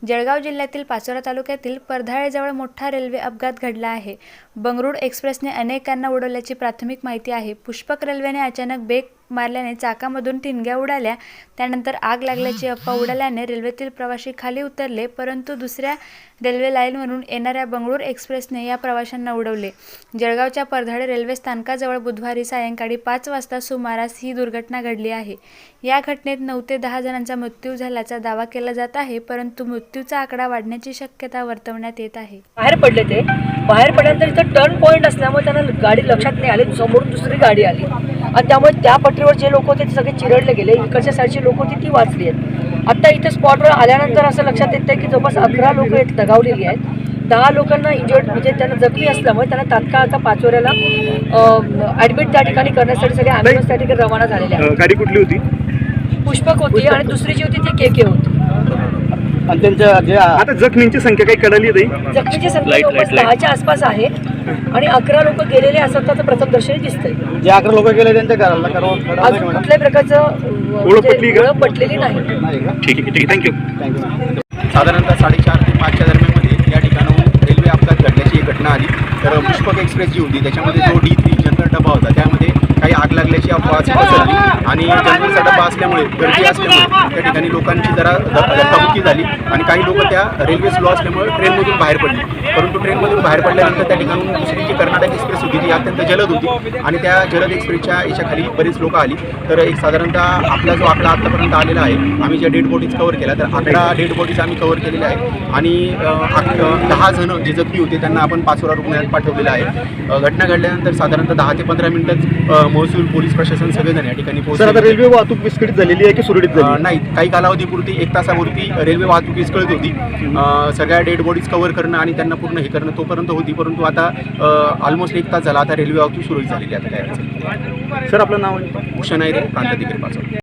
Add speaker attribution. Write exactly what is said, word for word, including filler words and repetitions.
Speaker 1: जळगाव जिल्ह्यातील पाचोरा तालुक्यातील परधाळेजवळ मोठा रेल्वे अपघात घडला आहे। बंगळुरू एक्सप्रेसने अनेकांना उडवल्याची प्राथमिक माहिती आहे। पुष्पक रेल्वेने अचानक ब्रेक मारल्याने चाकामधून ठिणग्या उडाल्या। त्यानंतर आग लागल्याची अफवा उडाल्याने रेल्वेतील प्रवासी खाली उतरले, परंतु दुसऱ्या रेल्वे लाईनवरून येणाऱ्या बंगळुरू एक्सप्रेसने या प्रवाशांना उडवले। जळगावच्या परधाळे रेल्वे स्थानकाजवळ बुधवारी सायंकाळी पाच वाजता सुमारास ही दुर्घटना घडली आहे। या घटनेत नऊ ते दहा जणांचा मृत्यू झाल्याचा दावा केला जात आहे, परंतु मृत्यूचा आकडा वाढण्याची शक्यता वर्तवण्यात येत आहे।
Speaker 2: बाहेर पडले ते बाहेर पडल्यानंतर इथं टर्न पॉईंट असल्यामुळे त्यांना गाडी लक्षात नाही आली, समोरून दुसरी गाडी आली आणि त्यामुळे त्या पटरीवर जे लोक होते ते सगळे चिरडले गेले। इकडच्या साईडची लोक होती ती वाचली आहेत। आता इथे स्पॉटवर आल्यानंतर असं लक्षात येतं की जवळपास अकरा लोक आहेत दगावलेली आहेत। दहा लोकांना इंजर्ड म्हणजे त्यांना जखमी असल्यामुळे त्यांना तात्काळ आता पाचोऱ्याला ऍडमिट त्या ठिकाणी करण्यासाठी सगळे ॲम्ब्युलन्स त्या ठिकाणी रवाना झालेले आहेत।
Speaker 3: गाडी कुठली होती?
Speaker 2: पुष्पक होती आणि दुसरी जी होती ती के के होती।
Speaker 3: आणि त्यांच्या जे आता जखमींची संख्या काही कळली नाही।
Speaker 2: जखमीची संख्या जवळपास दहाच्या आसपास आहे आणि अकरा लोक गेलेले असताना प्रथमदर्शनी दिसतंय।
Speaker 3: जे अकरा लोक गेले त्यांच्या घराला
Speaker 2: अजून कुठल्याही प्रकारचं ओळख पटलेली नाही।
Speaker 3: ठीक आहे, ठीक आहे, थँक्यू थँक्यू
Speaker 4: साधारणतः साडेचार ते पाचच्या दरम्यानमध्ये या ठिकाणाहून रेल्वे अपघात घडल्याची एक घटना आली। तर पुष्पक एक्सप्रेस जी होती त्याच्यामध्ये जो डी थ्री जनरल डबा होता त्यामध्ये काही आग लागल्याची अफवा पसरली आणि जनरलचा डबा असल्यामुळे गर्दी असल्यामुळे त्या ठिकाणी लोकांची जरा धक्काबुक्की झाली आणि काही लोक त्या रेल्वे स्लो असल्यामुळे ट्रेनमधून बाहेर पडली। परंतु ट्रेनमधून बाहेर पडल्यानंतर त्या ठिकाणून दुसरी जी कर्नाटक एक्सप्रेस होती ती अत्यंत जलद होती आणि त्या जलद एक्सप्रेसच्या याच्याखाली बरीच लोक आली। तर एक साधारणतः आपला जो आकडा आत्तापर्यंत आलेला आहे, आम्ही ज्या डेड बॉडीज कव्हर केल्या तर अकरा डेड बॉडीज आम्ही कव्हर केलेल्या आहेत आणि दहा जण जे जखमी होते त्यांना आपण पाचोरा रुग्णालयात पाठवलेलं आहे। घटना घडल्यानंतर साधारणतः दहा ते पंधरा मिनिटात महसूल पोलीस प्रशासन सगळेजण या ठिकाणी पोहोचले।
Speaker 3: आता रेल्वे वाहतूक विस्कळीत झालेली आहे की सुरळीत झाली?
Speaker 4: नाही, काही कालावधीपुरती एक तासापुरती रेल्वे वाहतूक विस्कळीत होती। सगळ्या डेड बॉडीज कव्हर करणं आणि त्यांना पूर्ण हे करणं तोपर्यंत होती, परंतु आता ऑलमोस्ट एक तास झाला, आता रेल्वे वाहतूक सुरळीत झालेली आहे। आता काय
Speaker 3: सर आपलं नाव?
Speaker 4: भूषण आहे रे, प्रांताधिकारी पाचोरा।